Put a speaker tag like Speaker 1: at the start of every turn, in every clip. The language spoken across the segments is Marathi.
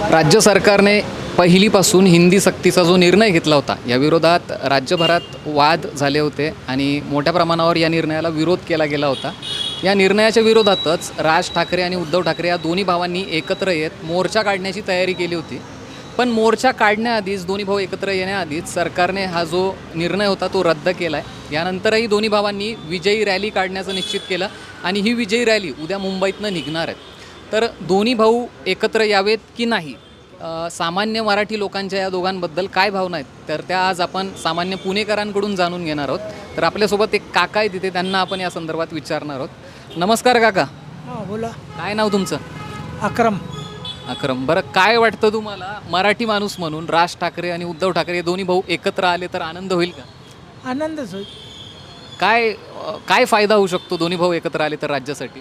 Speaker 1: राज्य सरकारने पहिलीपासून हिंदी सक्तीचा जो निर्णय घेतला होता या विरोधात राज्यभरात वाद झाले होते आणि मोठ्या प्रमाणावर या निर्णयाला विरोध केला गेला होता. या निर्णयाच्या विरोधातच राज ठाकरे आणि उद्धव ठाकरे या दोन्ही भावांनी एकत्र येत मोर्चा काढण्याची तयारी केली होती. पण मोर्चा काढण्याआधीच दोन्ही भाऊ एकत्र येण्याआधीच सरकारने हा जो निर्णय होता तो रद्द केला आहे. यानंतरही दोन्ही भावांनी विजयी रॅली काढण्याचं निश्चित केलं आणि ही विजयी रॅली उद्या मुंबईतनं निघणार आहे. तर दोन्ही भाऊ एकत्र यावेत की नाही, सामान्य मराठी लोकांच्या या दोघांबद्दल काय भावना आहेत तर त्या आज आपण सामान्य पुणेकरांकडून जाणून घेणार आहोत. तर आपल्यासोबत एक काका आहे तिथे, त्यांना आपण या संदर्भात विचारणार आहोत. नमस्कार काका.
Speaker 2: बोला.
Speaker 1: काय नाव तुमचं?
Speaker 2: अक्रम.
Speaker 1: अक्रम. बरं, काय वाटतं तुम्हाला, मराठी माणूस म्हणून राज ठाकरे आणि उद्धव ठाकरे दोन्ही भाऊ एकत्र आले तर आनंद होईल का?
Speaker 2: आनंदच होईल.
Speaker 1: काय काय फायदा होऊ शकतो दोन्ही भाऊ एकत्र आले तर राज्यासाठी?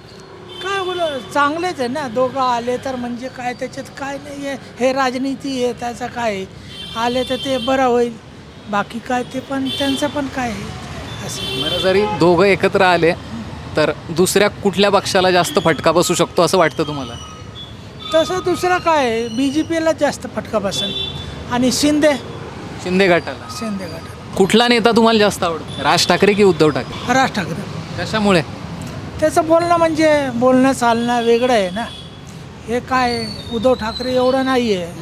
Speaker 2: काय बोला, चांगलेच आहे ना. दोघं आले तर म्हणजे काय त्याच्यात काय नाही आहे. हे राजनीती आहे, त्याचं काय आहे. आले तर ते बरं होईल. बाकी काय ते पण त्यांचं पण काय आहे असं.
Speaker 1: बरं, जरी दोघं एकत्र आले तर दुसऱ्या कुठल्या पक्षाला जास्त फटका बसू शकतो असं वाटतं तुम्हाला?
Speaker 2: तसं दुसरं काय आहे, BJPला जास्त फटका बसेल आणि शिंदे
Speaker 1: गटाला.
Speaker 2: गट.
Speaker 1: कुठला नेता तुम्हाला जास्त आवडतो, राज ठाकरे की उद्धव ठाकरे?
Speaker 2: राज ठाकरे.
Speaker 1: कशामुळे?
Speaker 2: त्याचं बोलणं म्हणजे बोलणं चालणं वेगळं आहे ना. हे काय उद्धव ठाकरे एवढं नाही आहे.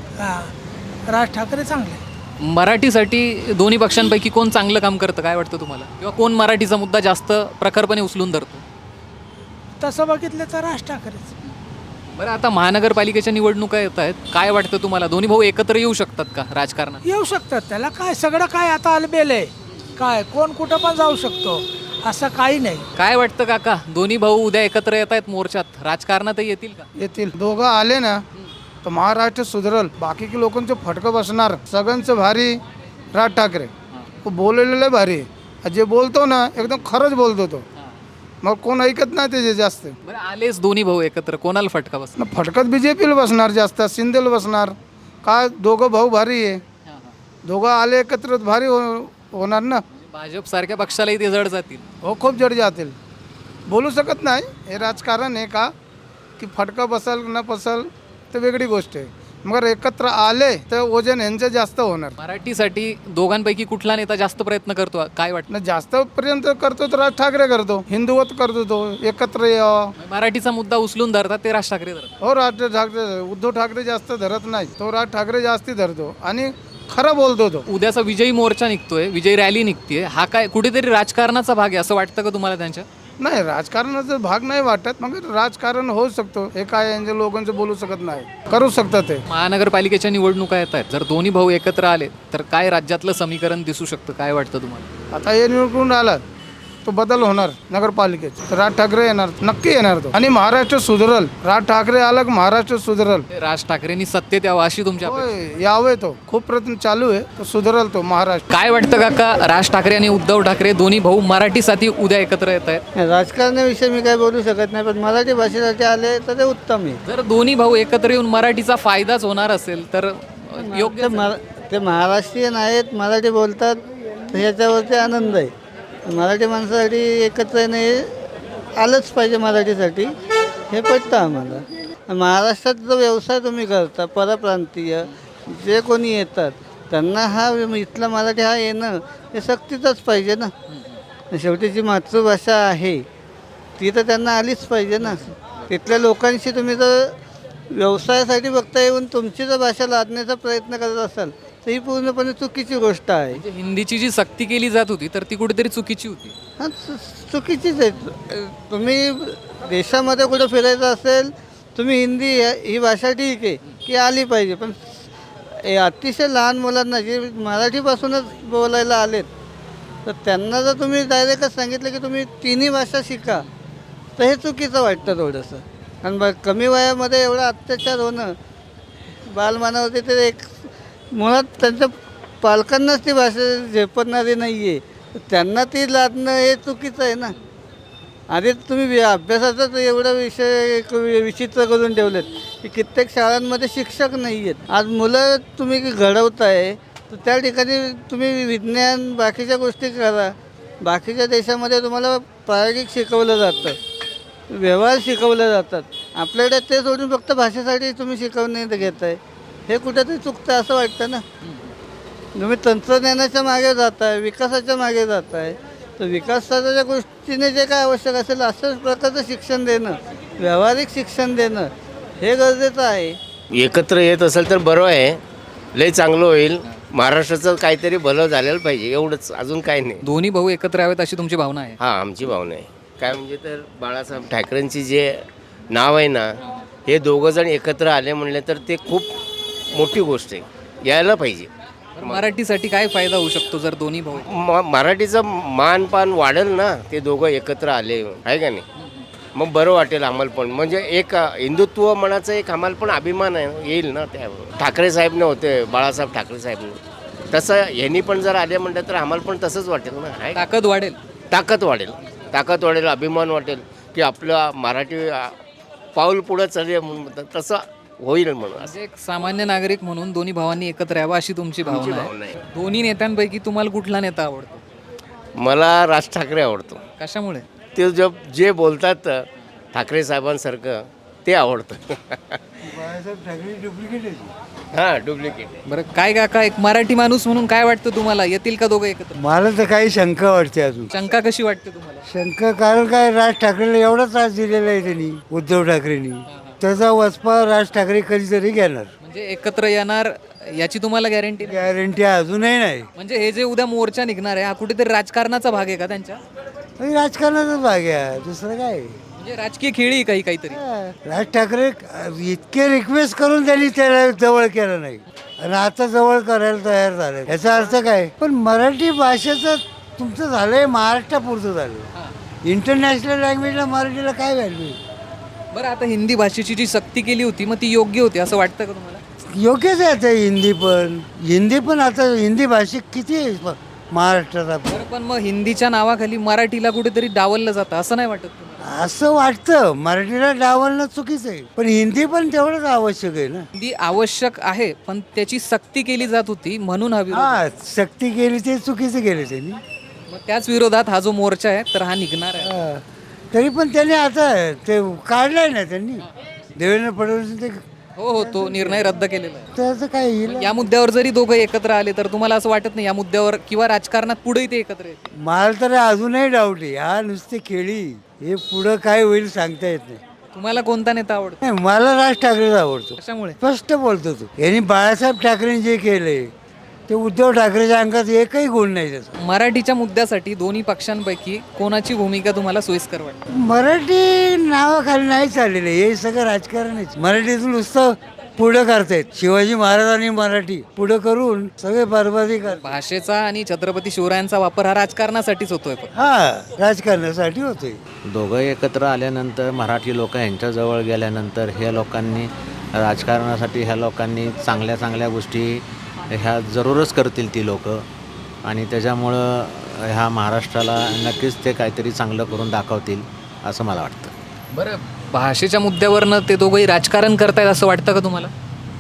Speaker 2: हां, राज ठाकरे चांगले.
Speaker 1: मराठीसाठी दोन्ही पक्षांपैकी कोण चांगलं काम करतं काय वाटतं तुम्हाला, किंवा कोण मराठीचा मुद्दा जास्त प्रखरपणे उचलून धरतो?
Speaker 2: तसं बघितलं तर राज ठाकरेच.
Speaker 1: बरं, आता महानगरपालिकेच्या निवडणुका येत आहेत, काय वाटतं तुम्हाला, दोन्ही भाऊ एकत्र येऊ शकतात का राजकारणात?
Speaker 2: येऊ शकतात. त्याला काय सगळं काय आता अलबेल आहे. काय कोण कुठं पण जाऊ शकतो, असं काही नाही.
Speaker 1: काय वाटतं काका, दोन्ही भाऊ उद्या एकत्र येत आहेत मोर्चात, राजकारणातही येतील का?
Speaker 3: येतील. दोघं आले ना तर महाराष्ट्र सुधरल. बाकी लोकांचं फटकं बसणार. सगळ्यांचं भारी राज ठाकरे. तो बोललेलं भारी आहे. जे बोलतो ना एकदम खरंच बोलतो तो. मग कोण ऐकत नाही त्याचे जास्त.
Speaker 1: बरं, आलेच दोन्ही भाऊ एकत्र, कोणाला फटका बसणार?
Speaker 3: फटकत BJPला बसणार जास्त, शिंदेला बसणार. काय दोघं भाऊ भारी आहे. दोघं आले एकत्र भारी होणार ना.
Speaker 1: भाजप सारख्या पक्षालाही ते जड जातील.
Speaker 3: हो, खूप जड जातील. बोलू शकत नाही. हे राजकारण आहे का की फटका बसल न बसल तर वेगळी गोष्ट आहे. मगर एकत्र आले तर वजन यांचं जास्त होणार.
Speaker 1: मराठीसाठी दोघांपैकी कुठला नेता जास्त प्रयत्न करतो काय वाटतं?
Speaker 3: जास्त पर्यंत करतो तर राज ठाकरे करतो. हिंदुवत करतो तो. एकत्र यावं.
Speaker 1: मराठीचा मुद्दा उचलून धरतात ते राज ठाकरे धरतात.
Speaker 3: हो, राज ठाकरे. उद्धव ठाकरे जास्त धरत नाही. तो राज ठाकरे जास्ती धरतो आणि खरं बोलतो तो.
Speaker 1: उद्याचा विजयी मोर्चा निघतोय, विजयी रॅली निघतीये, हा काय कुठेतरी राजकारणाचा भाग आहे असं वाटतं का तुम्हाला त्यांच्या?
Speaker 3: नाही, राजकारणाचा भाग नाही वाटत. मग राजकारण होऊ शकतो. हे काय यांच्या लोकांचं बोलू शकत नाही. करू शकतात ते.
Speaker 1: महानगरपालिकेच्या निवडणुका येत आहेत, जर दोन्ही भाऊ एकत्र आले तर काय राज्यातलं समीकरण दिसू शकतं काय वाटतं तुम्हाला?
Speaker 3: आता हे निवडून आला तो बदल होणार नगरपालिकेत. तर राज ठाकरे येणार, नक्की येणार तो. आणि महाराष्ट्र सुधरल. राज ठाकरे आला की महाराष्ट्र सुधरल.
Speaker 1: राज ठाकरेंनी सत्तेत यावं अशी तुमच्या अपेक्षा?
Speaker 3: होय, यावे तो. खूप प्रयत्न चालू आहे. तो सुधरल तो महाराष्ट्र.
Speaker 1: काय वाटतं काका, राज ठाकरे आणि उद्धव ठाकरे दोन्ही भाऊ मराठीसाठी उद्या एकत्र येत आहेत?
Speaker 4: राजकारणाविषयी मी काही बोलू शकत नाही, पण मराठी भाषेसाठी आले तर ते उत्तम आहे.
Speaker 1: जर दोन्ही भाऊ एकत्र येऊन मराठीचा फायदाच होणार असेल तर योग्य.
Speaker 4: ते महाराष्ट्रीयन आहेत, मराठी बोलतात, तर ह्याच्यावरती आनंद आहे. मराठी माणसासाठी एकत्र येणे आलंच पाहिजे. मराठीसाठी हे पटतं आम्हाला. महाराष्ट्रात जो व्यवसाय तुम्ही करता, परप्रांतीय जे कोणी येतात त्यांना हा इथला मराठी हा येणं हे सक्तीचंच पाहिजे ना. शेवटी जी मातृभाषा आहे ती तर त्यांना आलीच पाहिजे ना. तिथल्या लोकांशी तुम्ही जर व्यवसायासाठी बघता येऊन तुमची जर भाषा लादण्याचा प्रयत्न करत असाल तर ही पूर्णपणे चुकीची गोष्ट आहे.
Speaker 1: म्हणजे हिंदीची जी सक्ती केली जात होती तर ती कुठेतरी चुकीची होती.
Speaker 4: हां, चुकीचीच आहे. तुम्ही देशामध्ये कुठं फिरायचं असेल, तुम्ही हिंदी ही भाषा ठीक आहे की आली पाहिजे, पण अतिशय लहान मुलांना जे मराठीपासूनच बोलायला आलेत तर त्यांना जर तुम्ही डायरेक्टच सांगितलं की तुम्ही तिन्ही भाषा शिका तर हे चुकीचं वाटतं थोडंसं. कारण कमी वयामध्ये एवढा अत्याचार होणं बालमानावरती ते एक मुळात त्यांच्या पालकांनाच ती भाषा झेपणारी नाही आहे, त्यांना ती लादणं हे चुकीचं आहे ना. आधी तुम्ही अभ्यासाचाच एवढा विषय विचित्र करून ठेवलेत की कित्येक शाळांमध्ये शिक्षक नाही आहेत. आज मुलं तुम्ही घडवताय तर त्या ठिकाणी तुम्ही विज्ञान बाकीच्या गोष्टी करा. बाकीच्या देशामध्ये तुम्हाला प्रायोगिक शिकवलं जातं, व्यवहार शिकवले जातात. आपल्याकडे ते सोडून फक्त भाषेसाठी तुम्ही शिकवणे घेत आहे, हे कुठेतरी चुकतं असं वाटतं ना. तुम्ही तंत्रज्ञानाच्या मागे जात आहे, विकासाच्या मागे जात आहे, तर विकासाच्या गोष्टीने जे काय आवश्यक असेल असंच प्रकारचं शिक्षण देणं, व्यावहारिक शिक्षण देणं हे गरजेचं आहे.
Speaker 5: एकत्र येत असेल तर बरं आहे, लय चांगलं होईल. महाराष्ट्राचं काहीतरी भलं झालेलं पाहिजे, एवढंच, अजून काही नाही.
Speaker 1: दोन्ही भाऊ एकत्र यावेत अशी तुमची भावना आहे.
Speaker 5: हां, आमची भावना आहे. काय म्हणजे तर बाळासाहेब ठाकरेंची जे नाव आहे ना, हे दोघं जण एकत्र आले म्हणले तर ते खूप मोठी गोष्ट आहे, यायला पाहिजे.
Speaker 1: तर मराठीसाठी काय फायदा होऊ शकतो जर दोन्ही भाऊ
Speaker 5: मराठीचं मानपान वाढेल ना, ते दोघं एकत्र आले आहे का नाही. मग बरं वाटेल आम्हाला पण, म्हणजे एक हिंदुत्व मनाचा एक आम्हाला पण अभिमान आहे, येईल ना. त्या ठाकरे साहेबने होते, बाळासाहेब ठाकरे साहेबने, तसं ह्यांनी पण जर आले म्हणलं तर आम्हाला पण तसंच वाटेल ना. आहे का?
Speaker 1: ताकद वाढेल.
Speaker 5: ताकद वाढेल, अभिमान वाटेल की आपलं मराठी पाऊल पुढं चालेल म्हणून, तसं होईल म्हणून.
Speaker 1: म्हणजे एक सामान्य नागरिक म्हणून दोन्ही भावांनी एकत्र यावं अशी तुमची भावना
Speaker 5: भावना
Speaker 1: आहे.
Speaker 5: आहे.
Speaker 1: दोन्ही नेत्यांपैकी तुम्हाला कुठला नेता आवडतो?
Speaker 5: मला राज ठाकरे आवडतो.
Speaker 1: कशामुळे?
Speaker 5: ते जे बोलतात ठाकरे साहेबांसारखं ते आवडतं. हां, डुप्लिकेट.
Speaker 1: बरं काय काका, एक मराठी माणूस म्हणून काय वाटतं तुम्हाला, येतील का दोघं एकत्र?
Speaker 6: मला तर काही शंका वाटते अजून.
Speaker 1: शंका कशी वाटते तुम्हाला?
Speaker 6: शंका कारण काय, राज ठाकरेला एवढा त्रास दिलेला आहे त्यांनी, उद्धव ठाकरेंनी. त्याचा वचपा राज ठाकरे कधीतरी घेणार,
Speaker 1: म्हणजे एकत्र येणार याची तुम्हाला गॅरंटी नाही?
Speaker 6: गॅरंटी अजूनही नाही.
Speaker 1: म्हणजे हे जे उद्या मोर्चा निघणार आहे हा कुठेतरी राजकारणाचा भाग आहे का त्यांच्या?
Speaker 6: आणि राजकारणाचाच भाग आहे, दुसरं काय.
Speaker 1: म्हणजे राजकीय खेळी आहे काही काहीतरी.
Speaker 6: राज ठाकरे इतके रिक्वेस्ट करून त्यांनी त्याला जवळ केलं नाही, आणि आता जवळ करायला तयार झाले. याचा अर्थ काय, पण मराठी भाषेचं तुमचं झालंय महाराष्ट्रापुरतं झालं. इंटरनॅशनल लँग्वेजला मराठीला काय व्हॅल्यू?
Speaker 1: बरं, आता हिंदी भाषेची जी सक्ती केली होती मग ती योग्य होती असं वाटतं का तुम्हाला?
Speaker 6: योग्यच आहे आता. हिंदी पण आता हिंदी भाषिक किती आहे महाराष्ट्रात.
Speaker 1: बरं, पण मग हिंदीच्या नावाखाली मराठीला कुठेतरी डावललं जातं असं नाही वाटत तुम्हाला?
Speaker 6: असं वाटतं, मराठीला डावलणं चुकीचं आहे, पण हिंदी पण तेवढंच आवश्यक आहे ना.
Speaker 1: हिंदी आवश्यक आहे पण त्याची सक्ती केली जात होती म्हणून हा विरोध.
Speaker 6: हा, सक्ती केली ते चुकीचं केलं त्यांनी.
Speaker 1: मग त्याच विरोधात हा जो मोर्चा आहे तर हा निघणार आहे.
Speaker 6: हा. तरी पण त्याने आता ते काढलंय ना त्यांनी, देवेंद्र फडणवीस, ते
Speaker 1: हो, तो निर्णय रद्द केलेला आहे.
Speaker 6: त्याचं काय येईल.
Speaker 1: या मुद्द्यावर जरी दोघं एकत्र आले तर तुम्हाला असं वाटत नाही या मुद्द्यावर किंवा राजकारणात पुढेही ते एकत्र येतील?
Speaker 6: मला तर अजूनही डाऊट आहे. हा नुसते खेळी, हे पुढं काय होईल सांगता येत नाही.
Speaker 1: तुम्हाला कोणता नेता आवडतो?
Speaker 6: नाही, मला राज ठाकरेच आवडतो.
Speaker 1: कशामुळे?
Speaker 6: स्पष्ट बोलतो तो. यांनी बाळासाहेब ठाकरेंनी जे केलंय ते उद्धव ठाकरेच्या अंगात एकही गुण नाही त्याचा.
Speaker 1: मराठीच्या मुद्द्यासाठी दोन्ही पक्षांपैकी कोणाची भूमिका तुम्हाला सोयीस्कर वाटते?
Speaker 6: मराठी नावाखाली नाही चाललेलं हे सगळं राजकारणच. मराठीतून नुसतं पुढं करतायत. शिवाजी महाराजांनी मराठी पुढं करून सगळे बरबादी करतात.
Speaker 1: भाषेचा आणि छत्रपती शिवरायांचा वापर हा राजकारणासाठीच होतोय फक्त.
Speaker 6: हा, राजकारणासाठी होतोय.
Speaker 7: दोघं एकत्र आल्यानंतर मराठी लोक यांच्याजवळ गेल्यानंतर ह्या लोकांनी राजकारणासाठी ह्या लोकांनी चांगल्या चांगल्या गोष्टी ह्या जरूरच करतील ती लोक, आणि त्याच्यामुळं ह्या महाराष्ट्राला नक्कीच ते काहीतरी चांगलं करून दाखवतील असं मला वाटतं.
Speaker 1: बरं, भाषेच्या मुद्द्यावरनं ते दोघंही राजकारण करतायत असं वाटतं का तुम्हाला?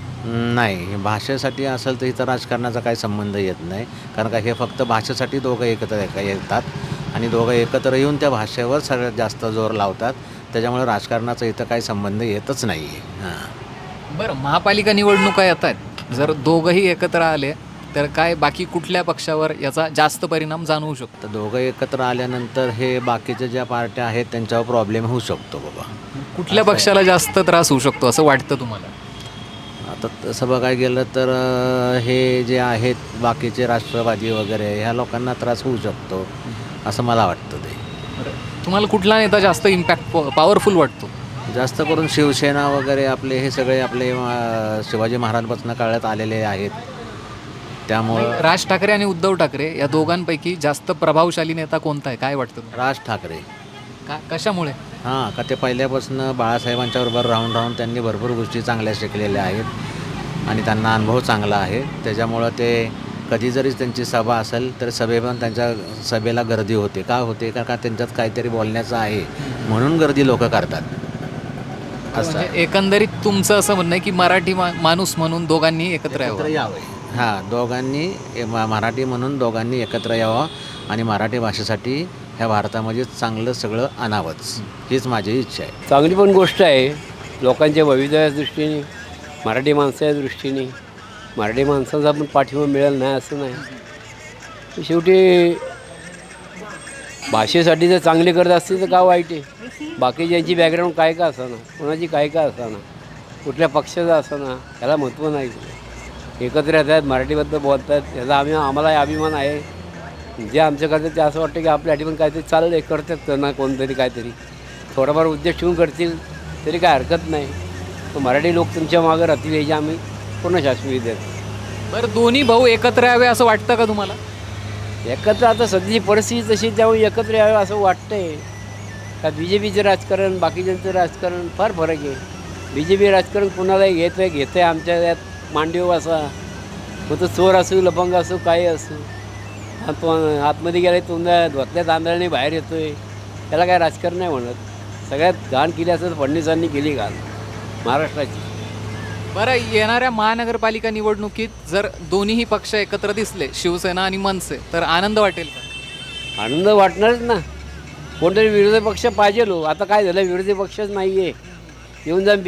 Speaker 7: नाही, भाषेसाठी असेल तर इथं राजकारणाचा काही संबंध येत नाही, कारण का हे फक्त भाषेसाठी दोघं एकत्र येतात आणि दोघं एकत्र येऊन त्या भाषेवर सगळ्यात जास्त जोर लावतात. त्याच्यामुळे राजकारणाचा इथं काही संबंध येतच नाही आहे. हां.
Speaker 1: बरं, महापालिका निवडणुका येत आहेत, जर दोघंही एकत्र आले तर काय बाकी कुठल्या पक्षावर याचा जास्त परिणाम जाणवू शकतो?
Speaker 7: तर दोघं एकत्र आल्यानंतर हे बाकीच्या ज्या पार्ट्या आहेत त्यांच्यावर प्रॉब्लेम होऊ शकतो बाबा.
Speaker 1: कुठल्या पक्षाला जास्त त्रास होऊ शकतो असं वाटतं तुम्हाला?
Speaker 7: आता तसं बघायला गेलं तर हे जे आहेत बाकीचे राष्ट्रवादी वगैरे ह्या लोकांना त्रास होऊ शकतो असं मला वाटतं. ते
Speaker 1: तुम्हाला कुठला नेता जास्त इम्पॅक्ट पॉवरफुल वाटतो?
Speaker 7: जास्त करून शिवसेना वगैरे आपले हे सगळे आपले शिवाजी महाराजांपासून काळात आलेले आहेत, त्यामुळं
Speaker 1: राज ठाकरे आणि उद्धव ठाकरे या दोघांपैकी जास्त प्रभावशाली नेता कोणता आहे काय वाटतं तुम्हाला?
Speaker 7: राज ठाकरे.
Speaker 1: कशामुळे?
Speaker 7: हां, का ते पहिल्यापासून बाळासाहेबांच्या बरोबर राहून त्यांनी भरपूर गोष्टी चांगल्या शिकलेल्या आहेत आणि त्यांना अनुभव चांगला आहे. त्याच्यामुळं ते कधी जरी त्यांची सभा असेल तर पण त्यांच्या सभेला गर्दी होते. का होते? का त्यांच्यात काहीतरी बोलण्याचं आहे म्हणून गर्दी लोक करतात. असं
Speaker 1: म्हणजे एकंदरीत तुमचं असं म्हणणं आहे की मराठी माणूस म्हणून दोघांनी एकत्र यावं.
Speaker 7: हां, दोघांनी मराठी म्हणून दोघांनी एकत्र यावं आणि मराठी भाषेसाठी ह्या भारतामध्ये चांगलं सगळं आणावंच हीच माझी इच्छा आहे.
Speaker 8: चांगली पण गोष्ट आहे लोकांच्या भवितव्याच्या दृष्टीने, मराठी माणसाच्या दृष्टीने मराठी माणसाचा पण पाठिंबा मिळेल नाही असं नाही. शेवटी भाषेसाठी जर चांगले करत असतील तर का वाईट आहे. बाकी ज्यांची बॅकग्राऊंड काय का असाना, कोणाची काय का असाना, कुठल्या पक्षाचा असाना, याला महत्त्व नाही. एकत्र येत आहेत, मराठीबद्दल बोलत आहेत, याचा आम्हाला अभिमान आहे. जे आमच्या करतात ते असं वाटतं की आपल्यासाठी पण काहीतरी चाललं आहे, करतात ना कोणतरी काहीतरी थोडाफार उद्देश ठेवून करतील तरी काय हरकत नाही. तर मराठी लोक तुमच्या मागं राहतील याची आम्ही पूर्ण शाश्वती देतो.
Speaker 1: बरं, दोन्ही भाऊ एकत्र यावे असं वाटतं का तुम्हाला?
Speaker 8: एकत्र आता सध्याची परिस्थिती तशी त्यामुळे एकत्र यावं असं वाटतंय. का BJPचं राजकारण बाकीच्यांचं राजकारण फार फरक आहे. BJP राजकारण कुणालाही घेतं आहे आमच्या यात मांडीव असा मग तो चोर असू लपंग असू काही असू आतमध्ये गेला तुमच्या धोतल्या तांदळाने बाहेर येतो आहे. त्याला काय राजकारण नाही म्हणत. सगळ्यात घाण केली असं फडणवीसांनी केली घाण महाराष्ट्राची.
Speaker 1: बरं, येणाऱ्या महानगरपालिका निवडणुकीत जर दोन्हीही पक्ष एकत्र दिसले, शिवसेना आणि मनसे, तर आनंद वाटेल का?
Speaker 8: आनंद वाटणारच ना. कोणतरी विरोधी पक्ष पाहिजे लो. आता काय झालं, विरोधी पक्षच नाही आहे. येऊन जाऊन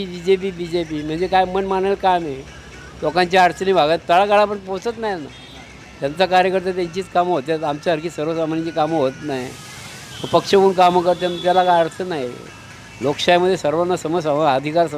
Speaker 8: BJP म्हणजे काय मन मानेल काम आहे. लोकांच्या अडचणी भागात तळागाळापर्यंत पोचत नाही ना. त्यांचा कार्यकर्ता त्यांचीच कामं होतात, आमच्यासारखी सर्वसामान्यांची कामं होत नाही. पक्ष म्हणून कामं करतात त्याला काय अडचण नाही. लोकशाहीमध्ये सर्वांना अधिकार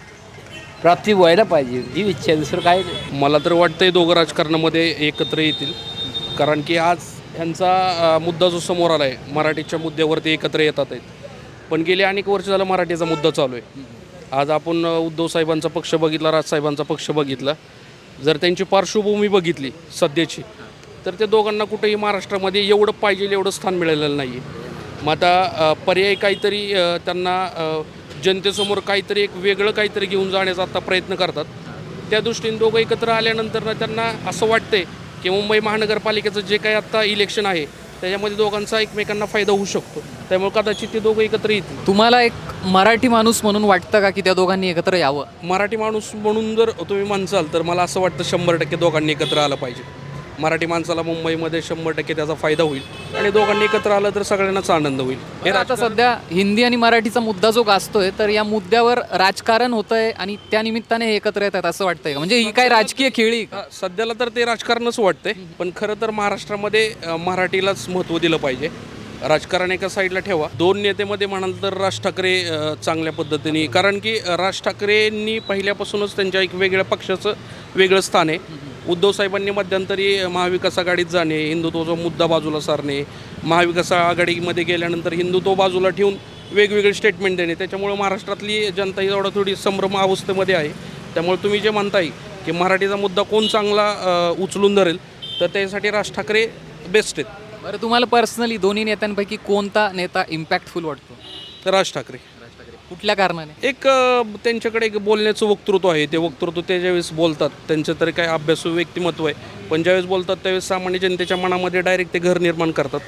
Speaker 8: प्राप्ती व्हायला पाहिजे ही इच्छा आहे, दुसरं काही नाही.
Speaker 9: मला तर वाटतंय दोघं राजकारणामध्ये एकत्र येतील. कारण की आज ह्यांचा मुद्दा जो समोर आला आहे, मराठीच्या मुद्द्यावरती एकत्र येतात आहेत. पण गेले अनेक वर्ष झालं मराठीचा मुद्दा चालू आहे. आज आपण उद्धव साहेबांचा पक्ष बघितला, राजसाहेबांचा पक्ष बघितला, जर त्यांची पार्श्वभूमी बघितली सध्याची, तर त्या दोघांना कुठेही महाराष्ट्रामध्ये एवढं पाहिजे एवढं स्थान मिळालेलं नाही आहे. मग आता पर्याय काहीतरी त्यांना जनतेसमोर काहीतरी एक वेगळं काहीतरी घेऊन जाण्याचा आता प्रयत्न करतात. त्या दृष्टीने दोघं एकत्र आल्यानंतर ना त्यांना असं वाटतंय की मुंबई महानगरपालिकेचं जे काही आत्ता इलेक्शन आहे त्याच्यामध्ये दोघांचा एकमेकांना फायदा होऊ शकतो. त्यामुळे कदाचित ते दोघं एकत्र येतील.
Speaker 1: तुम्हाला एक मराठी माणूस म्हणून वाटतं का की त्या दोघांनी एकत्र यावं?
Speaker 9: मराठी माणूस म्हणून जर तुम्ही म्हणसाल तर मला असं वाटतं 100% दोघांनी एकत्र आलं पाहिजे. मराठी माणसाला मुंबईमध्ये 100% त्याचा फायदा होईल आणि दोघांनी एकत्र आलं तर सगळ्यांनाच आनंद होईल.
Speaker 1: हे आता सध्या हिंदी आणि मराठीचा मुद्दा जो गाजतोय, तर या मुद्द्यावर राजकारण होतंय आणि त्या निमित्ताने हे एकत्र येतात असं वाटतंय का? म्हणजे ही काय राजकीय खेळी का?
Speaker 9: सध्याला तर ते राजकारणच वाटतंय. पण खरं तर महाराष्ट्रामध्ये मराठीलाच महत्त्व दिलं पाहिजे. राजकारण एका साईडला ठेवा. दोन नेतेमध्ये म्हणाल तर राज ठाकरे चांगल्या पद्धतीने, कारण की राज ठाकरेंनी पहिल्यापासूनच त्यांच्या एक वेगळ्या पक्षाचं वेगळं स्थान आहे. उद्धव साहेबांनी मध्यंतरी महाविकास आघाडीत जाणे, हिंदुत्वाचा मुद्दा बाजूला सारणे, महाविकास आघाडीमध्ये गेल्यानंतर हिंदुत्व बाजूला ठेवून वेगवेगळे स्टेटमेंट देणे, त्याच्यामुळे महाराष्ट्रातली जनता ही एवढा थोडी संभ्रम अवस्थेमध्ये आहे. त्यामुळे तुम्ही जे म्हणताय की मराठीचा मुद्दा कोण चांगला उचलून धरेल, तर त्यासाठी राज ठाकरे बेस्ट आहेत.
Speaker 1: बरं, तुम्हाला पर्सनली दोन्ही नेत्यांपैकी कोणता नेता इम्पॅक्टफुल वाटतो?
Speaker 9: तर राज ठाकरे.
Speaker 1: कुठल्या कारणाने?
Speaker 9: एक त्यांच्याकडे एक बोलण्याचं वक्तृत्व आहे. ते वक्तृत्व ते ज्यावेळेस बोलतात, त्यांचं तरी काय अभ्यासू व्यक्तिमत्व आहे, पण ज्यावेळेस बोलतात त्यावेळेस सामान्य जनतेच्या मनामध्ये डायरेक्ट ते घर निर्माण करतात.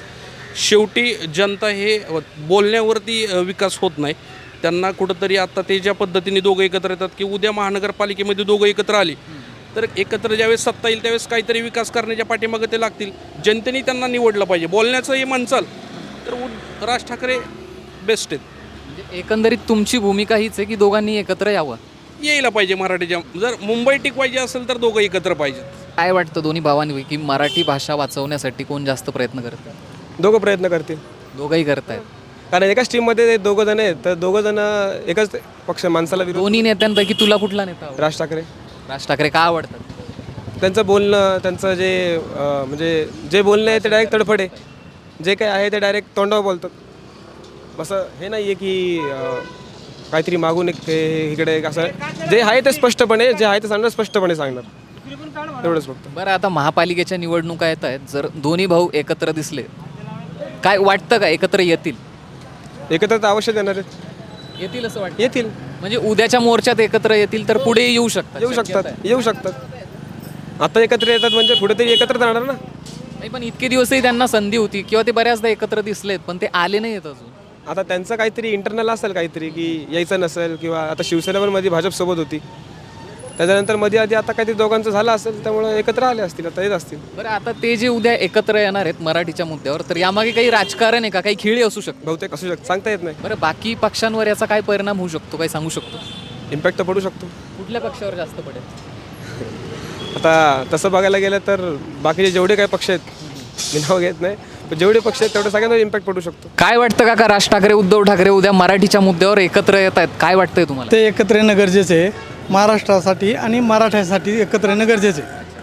Speaker 9: शेवटी जनता हे बोलण्यावरती विकास होत नाही. त्यांना कुठंतरी आता ते ज्या पद्धतीने दोघं एकत्र येतात की उद्या महानगरपालिकेमध्ये दोघं एकत्र आली तर एकत्र ज्यावेळेस सत्ता येईल त्यावेळेस काहीतरी विकास करण्याच्या पाठीमागे ते लागतील. जनतेने त्यांना निवडलं पाहिजे. बोलण्याचं हे म्हणचाल तर राज ठाकरे बेस्ट आहेत.
Speaker 1: म्हणजे एकंदरीत तुमची भूमिका हीच आहे की दोघांनी एकत्र यावं,
Speaker 9: यायला पाहिजे. मराठीच्या जर मुंबई टिकवायची असेल तर दोघं एकत्र पाहिजेत.
Speaker 1: काय वाटतं दोन्ही भावांपैकी मराठी भाषा वाचवण्यासाठी कोण जास्त प्रयत्न करतं?
Speaker 10: दोघं प्रयत्न करतील.
Speaker 1: दोघंही करतायत.
Speaker 10: कारण एकाच टीममध्ये दोघं जण आहेत तर दोघं जण एकच पक्ष माणसाला विरोध.
Speaker 1: दोन्ही नेत्यांपैकी तुला कुठला नेता आवडतो?
Speaker 10: राज ठाकरे.
Speaker 1: राज ठाकरे का आवडतात?
Speaker 10: त्यांचं बोलणं, त्यांचं जे म्हणजे जे बोलणं आहे ते डायरेक्ट तडफड आहे. जे काही आहे ते डायरेक्ट तोंडावर बोलतात. असं हे नाही आहे की काहीतरी मागून एक ते इकडे एक असं जे आहे ते स्पष्टपणे, जे आहे ते सांगणार स्पष्टपणे सांगणार, एवढंच फक्त.
Speaker 1: बरं, आता महापालिकेच्या निवडणुका येत आहेत. जर दोन्ही भाऊ एकत्र दिसले, काय वाटतं का एकत्र येतील?
Speaker 10: एकत्र तर आवश्यक येणार आहेत.
Speaker 1: येतील असं वाटतं?
Speaker 10: येतील.
Speaker 1: म्हणजे उद्याच्या मोर्चात एकत्र येतील तर पुढे येऊ शकतात.
Speaker 10: आता एकत्र येतात म्हणजे पुढे तरी एकत्र जाणार ना.
Speaker 1: नाही, पण इतके दिवसही त्यांना संधी होती किंवा ते बऱ्याचदा एकत्र दिसलेत पण ते आले नाही आहेत अजून.
Speaker 10: आता त्यांचं काहीतरी इंटरनल असेल काहीतरी की यायचं नसेल, किंवा आता शिवसेना पण मध्ये भाजपसोबत होती त्याच्यानंतर मध्ये आधी आता काहीतरी दोघांचं झालं असेल, त्यामुळे एकत्र आले असतील, आता येत असतील.
Speaker 1: बरं, आता ते जे उद्या एकत्र येणार आहेत मराठीच्या मुद्द्यावर, तर यामागे काही राजकारण आहे का, काही खेळी असू शकतो?
Speaker 10: बहुतेक असू शकतं, सांगता येत नाही.
Speaker 1: बरं, बाकी पक्षांवर याचा काय परिणाम होऊ शकतो, काही सांगू शकतो?
Speaker 10: इम्पॅक्ट तर पडू शकतो.
Speaker 1: कुठल्या पक्षावर जास्त पडेल?
Speaker 10: आता तसं बघायला गेलं तर बाकीचे जेवढे काही पक्ष आहेत, मी नाव घेत नाही, पण जेवढे पक्ष आहेत तेवढे सगळ्यांवर इम्पॅक्ट पडू शकतो.
Speaker 1: काय वाटतं काका, राज ठाकरे उद्धव ठाकरे उद्या मराठीच्या मुद्द्यावर एकत्र येत आहेत, काय वाटतंय तुम्हाला?
Speaker 11: ते एकत्र येणं गरजेचे आहे महाराष्ट्रासाठी आणि मराठ्यासाठी. एकत्र येणं गरजेचे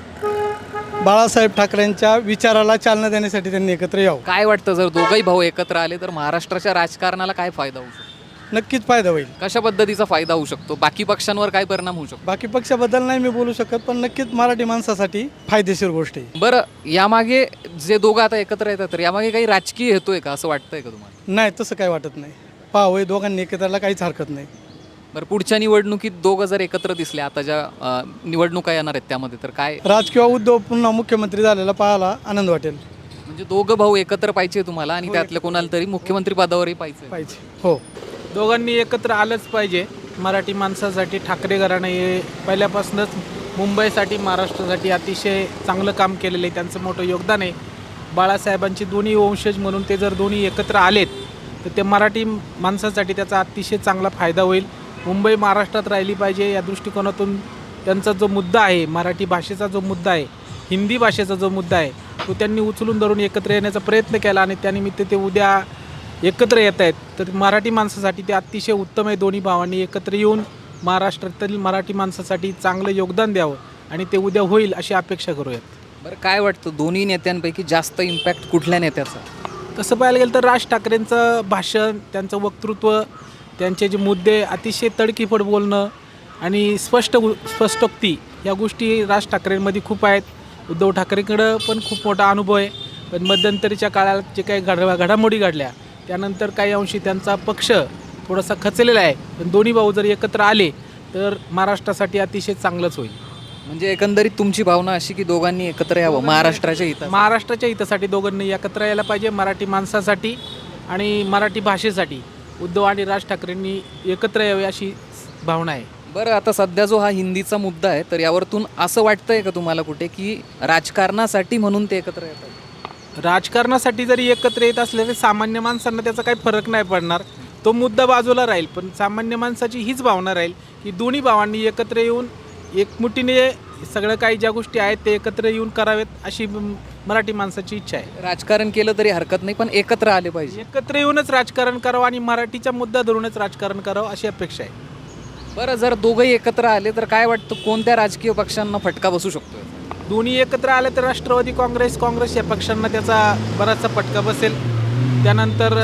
Speaker 11: आहे. बाळासाहेब ठाकरेंच्या विचाराला चालना देण्यासाठी त्यांनी एकत्र यावं.
Speaker 1: काय वाटतं, जर दोघंही भाऊ एकत्र आले तर महाराष्ट्राच्या राजकारणाला काय फायदा होऊ शकतो?
Speaker 11: नक्कीच फायदा होईल.
Speaker 1: कशा पद्धतीचा फायदा होऊ शकतो? बाकी पक्षांवर काय परिणाम होऊ शकतो?
Speaker 11: बाकी पक्षाबद्दल नाही मी बोलू शकत, पण नक्कीच मराठी माणसासाठी फायदेशीर गोष्ट आहे.
Speaker 1: बरं, यामागे जे दोघं आता एकत्र येतात तर यामागे काही राजकीय हेतू आहे का, असं वाटतंय का तुम्हाला?
Speaker 11: नाही, तसं काय वाटत नाही. पाहावं, दोघांनी एकत्राला काहीच हरकत नाही.
Speaker 1: बरं, पुढच्या निवडणुकीत दोघं जर एकत्र दिसले, आता ज्या निवडणुका येणार आहेत त्यामध्ये, तर काय
Speaker 11: राज किंवा उद्धव पुन्हा मुख्यमंत्री झालेला पाहायला आनंद वाटेल.
Speaker 1: म्हणजे दोघं भाऊ एकत्र पाहिजे तुम्हाला, आणि त्यातल्या कोणाला तरी मुख्यमंत्री पदावरही पाहिजे?
Speaker 11: हो,
Speaker 12: दोघांनी एकत्र आलंच पाहिजे. मराठी माणसासाठी ठाकरे घराणं हे पहिल्यापासूनच मुंबईसाठी, महाराष्ट्रासाठी अतिशय चांगलं काम केलेलं आहे. त्यांचं मोठं योगदान आहे. बाळासाहेबांचे दोन्ही वंशज म्हणून ते जर दोन्ही एकत्र आलेत तर ते मराठी माणसासाठी त्याचा अतिशय चांगला फायदा होईल. मुंबई महाराष्ट्रात राहिली पाहिजे या दृष्टिकोनातून त्यांचा जो मुद्दा आहे, मराठी भाषेचा जो मुद्दा आहे, हिंदी भाषेचा जो मुद्दा आहे, तो त्यांनी उचलून धरून एकत्र येण्याचा प्रयत्न केला आणि त्यानिमित्त ते उद्या एकत्र येत आहेत. तर मराठी माणसासाठी ते अतिशय उत्तम आहे. दोन्ही भावांनी एकत्र येऊन महाराष्ट्रातील मराठी माणसासाठी चांगलं योगदान द्यावं आणि ते उद्या होईल अशी अपेक्षा करूयात.
Speaker 1: बरं, काय वाटतं दोन्ही नेत्यांपैकी जास्त इम्पॅक्ट कुठल्या नेत्याचा?
Speaker 12: तसं पाहायला गेलं तर राज ठाकरेंचं भाषण, त्यांचं वक्तृत्व, त्यांचे जे मुद्दे, अतिशय तडकीफड बोलणं आणि स्पष्टोक्ती या गोष्टी राज ठाकरेंमध्ये खूप आहेत. उद्धव ठाकरेंकडं पण खूप मोठा अनुभव आहे. पण मध्यंतरीच्या काळात जे काही घडामोडी घडल्या त्यानंतर काही अंशी त्यांचा पक्ष थोडासा खचलेला आहे. पण दोन्ही भाऊ जर एकत्र आले तर महाराष्ट्रासाठी अतिशय चांगलंच होईल.
Speaker 1: म्हणजे एकंदरीत तुमची भावना अशी की दोघांनी एकत्र यावं महाराष्ट्राच्या हितासाठी?
Speaker 12: महाराष्ट्राच्या हितासाठी दोघांनी एकत्र यायला पाहिजे. मराठी माणसासाठी आणि मराठी भाषेसाठी उद्धव आणि राज ठाकरेंनी एकत्र यावे अशी भावना आहे.
Speaker 1: बरं, आता सध्या जो हा हिंदीचा मुद्दा आहे, तर यावरतून असं वाटतंय का तुम्हाला कुठे की राजकारणासाठी म्हणून ते एकत्र येतात?
Speaker 12: राजकारणासाठी जरी एकत्र येत असले तरी सामान्य माणसांना त्याचा काही फरक नाही पडणार. तो मुद्दा बाजूला राहील. पण सामान्य माणसाची हीच भावना राहील की दोन्ही भावांनी एकत्र येऊन एकमुठीने सगळं काही ज्या गोष्टी आहेत ते एकत्र येऊन करावेत अशी मराठी माणसाची इच्छा आहे.
Speaker 1: राजकारण केलं तरी हरकत नाही, पण एकत्र आले पाहिजे.
Speaker 12: एकत्र येऊनच राजकारण करावं आणि मराठीचा मुद्दा धरूनच राजकारण करावं अशी अपेक्षा आहे.
Speaker 1: बरं, जर दोघंही एकत्र आले तर काय वाटतं कोणत्या राजकीय पक्षांना फटका बसू शकतो?
Speaker 12: दोन्ही एकत्र आले तर राष्ट्रवादी काँग्रेस या पक्षांना त्याचा बराचसा फटका बसेल. त्यानंतर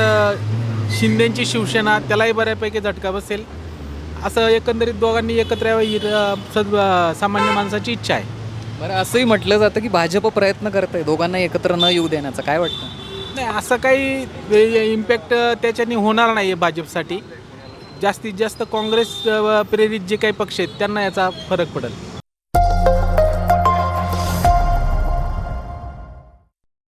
Speaker 12: शिंदेची शिवसेना त्यालाही बऱ्यापैकी झटका बसेल. असं एकंदरीत दोघांनी एकत्र यावं ही सामान्य माणसाची इच्छा आहे.
Speaker 1: बरं, असंही म्हटलं जातं की भाजप प्रयत्न करत आहे दोघांना एकत्र न येऊ देण्याचा, काय वाटतं?
Speaker 12: नाही, असं काही इम्पॅक्ट त्याच्याने होणार नाही आहे भाजपसाठी. जास्तीत जास्त काँग्रेस प्रेरित जे काही पक्ष आहेत त्यांना याचा फरक पडेल.